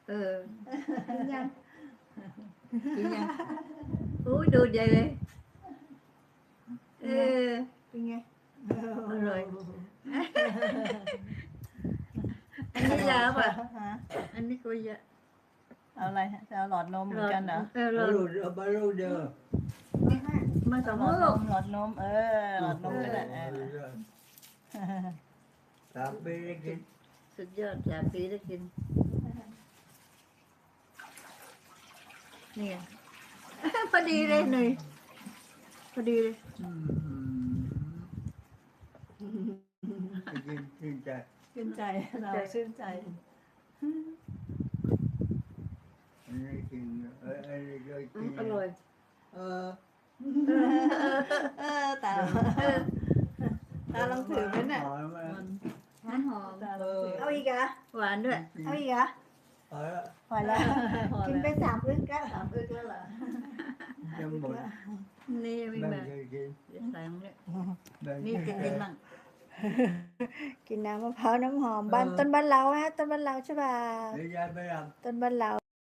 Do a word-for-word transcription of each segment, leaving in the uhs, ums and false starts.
เออกินยังกินยังอุ้ยดูดใหญ่เลยเออเป็นไงอร่อย อันนี้ยาวป่ะฮะอันนี้ก็เยอะเอาอะไรฮะจะเอาหลอดนมเหมือนกันเหรอเออ Bà เรา lù bà lù giờ มาสองหลอดนลูกมหลอดนมเออหลอดนมก็ได้เออ Tạm biệt đi สุดยอดสามปีได้กินนี่ไง พอดีเลยหนุ่ยพอดีเลย Xin xin chào ชื่นใจเราชื่นใจ Anh ấy xin Anh ấy cho อืม xin อร่อย Ờ เออตาตาลองถือไหมเนี่ย Hỏi mà น้ำหอมตาลองถือเอาอีกเหรอหวานด้วยเอาอีกเหรอ Hỏi đó พอแล้วพอกินไปแล้วสามอึกแล้วสามอึกแล้วเหรอ Trong một นี่ไม่ Bằng มา cái gì เดี๋ยวใส่มันเนี่ย Bằng นี่จะกินมั่งกินน้ำมะพร้าวน้ำหอมบ้านต้นบ้านเราฮะต้นบ้านเราใช่ป่ะ Đi ra mới làm ต้นบ้านเรา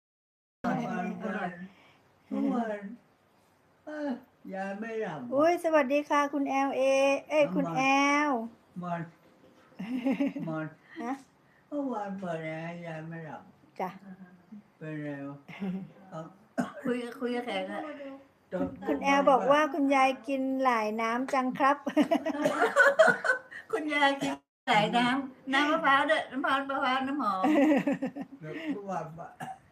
Đúng rồi Ơ, Ra mới làm อุ้ยสวัสดีค่ะคุณแอลเอเอ้ยคุณแอล Mình Mình ฮะ Không ăn bờ này ra mới làm จ้ะ Bên này Ờ คุยคุยกับแขกอะคุณแอลบอกว่าคุณยายกินหลายน้ำจังครับคุณยายกินใส่น้ำน้ำมะพร้าวด้วยน้ำมะพร้าวมะพร้าวน้ำหอม Được không làm bạn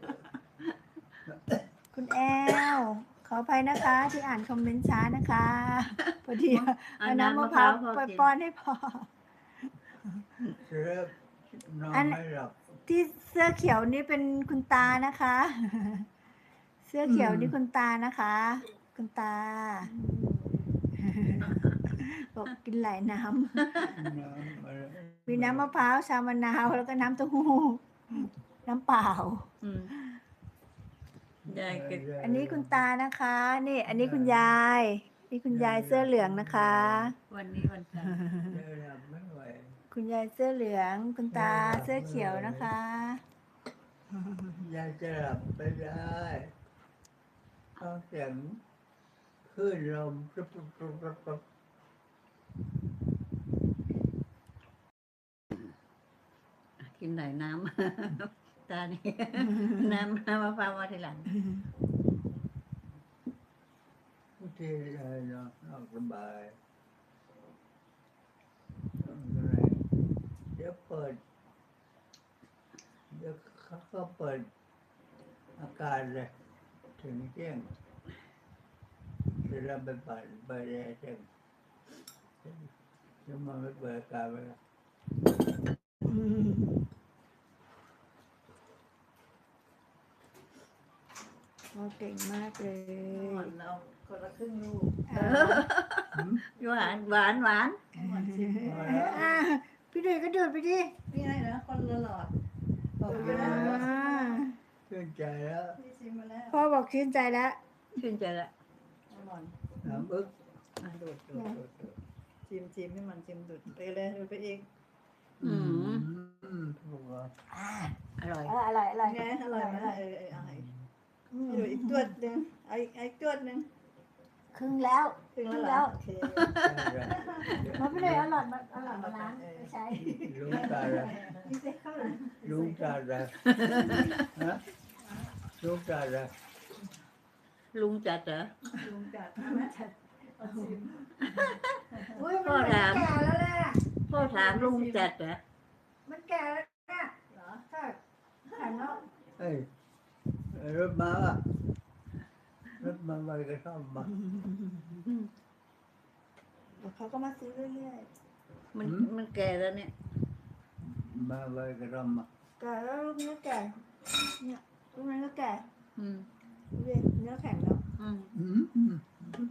คุณแอลขออภัยนะคะที่อ่านคอมเมนต์ช้านะคะพอดีเอาเอาน้ำน้ำมะมะพพร้าร้าว วพอไปกินป้อนให้พอ Sếp Nó Anh- mới làm ที่เสื้อเขียวนี่เป็นคุณตานะคะ เสื้อเขียวนี่คุณตานะคะ คุณตา บอกกินหลายน้ำ Nó mà มีน้ำมะพร้าวชามะนาวแล้วก็น้ำเต้าหู้น้ำเปล่าอืมยายกินอันนี้คุณตานะคะ นี่ อันนี้คุณยาย นี่คุณยายเสื้อเหลืองนะคะวันนี้วันจันทร์ Đây là mấy vậy คุณยายเสื้อเหลือง คุณตาเสื้อเขียวนะคะ Ra sẽ làm tới đây Con chẳng Khơi lòng Rụp rụp rụp rụp rụp กินไหนน้ำ ตานี่ น้ำน้ำมะพร้าวมาทีหลัง Cái kia là nó Nó cái bài Cái này Để ปิด Đểเขาเปิดอาการเลยถึงเที่ยงจะเราไปเปิดไปแรงเที่ยงจะมาไม่เปิดอาการไปแล้วโอ้เก่งมากเลยหวานเราคนละครึ่งลูกอ่าหวานหวานหวานหวานชิมอ่าพี่เดยก็เดินไปดินี่ไงนะคนละหลอดบอกไปแล้วอ่าชื่นใจแล้วพี่ชิมมาแล้วพ่อบอกชื่นใจแล้วชื่นใจละอร่อยน้ำอึกดูดดูดดูดดูดชิมชิมให้มันชิมดูดไปเลยดูดไปเองอืมอืมถูกแล้วอ่าอร่อยอร่อยอร่อยไงอร่อยไหมล่ะเออเออเอาอีกให้ดูอีกตัวหนึ่งเอาอีกเอาอีกตัวหนึ่งครึ่งแล้วถึงแล้วเหรอโอเคมาพี่เดยเอาหลอดมาเอาหลอดมาล้างไม่ใช่ลุงตาละพี่เดยเข้าหลังลุงตาละฮะลุงตาละลุงจัดเหรอลุงจัดนะเอาชิมอุ้ยพ่มัอน ถามแก่แล้วแหละพ่อถามลุงจัดเหรอมันแก่แล้วเนี่ยเหรอใช่แก่แล้วเอ้ยรถมาอ่ะรถมาไปกระท่อมมาเดี๋ยวเขาก็มาซื้อเรื่อยมันมันแก่แล้วเนี่ยมาไปกระท่อมมาๆแก่แล้วลูกนี้ก็แก่เนี่ยลูกนี้ก็แก่อืมดูดิเนื้อแข็งแล้วอืมอืมอืม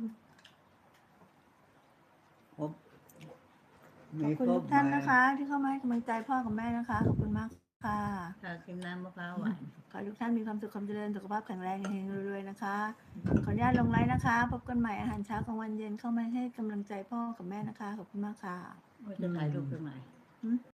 ผมขอบคุณทุกท่านนะคะ ที่เข้ามาให้กำลังใจพ่อกับแม่นะคะ ขอบคุณมากค่ะถ้ากินน้ำมะพร้าวหวานขอให้ทุกท่านมีความสุขความเจริญสุขภาพแข็งแรงเฮงๆรวยๆนะคะ ขออนุญาตลงไลน์นะคะ พบกันใหม่อาหารเช้ากลางวันเย็นเข้ามาให้กำลังใจพ่อกับแม่นะคะ ขอบคุณมากค่ะว่าจะถ่ายรูปตรงไหน